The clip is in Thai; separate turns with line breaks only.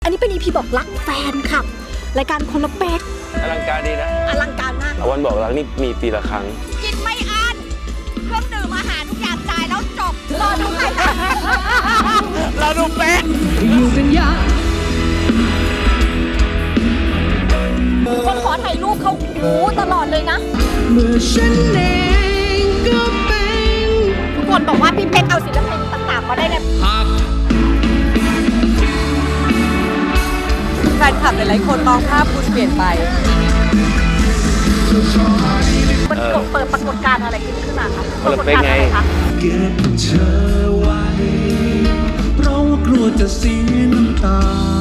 อันนี้เป็น EP บอกรักแฟนคลับรายการคนละเป๊ก
อลังการดีนะ
อลังการมาก
วันบอกรักนี่มีปีละครั้ง
กินไม่อั้นเครื่องดื่มอาหารทุกอย่างจ่ายแล้วจบรอดูใครนะ
เราดูเป๊ก
อยู่กันยาก
คนขอถ่ายรูปเขาตลอดเลยนะ
เมื่อฉันเองก็เป็น
ทุกคนบอกว่าพี่เป๊กเอาศิลปินต่างๆมาได้ไง
แฟนคลับหลายๆคนมองภาพคุณเปลี่ยนไป
มันเปิดปรากฏการณ์อะไรขึ้นมาคะ
คนละเป๊กไง
ปรากฏการณ์อะรคะ
เก็บเธอไว้ เพราะว่ากลัวจะเสียน้ำตา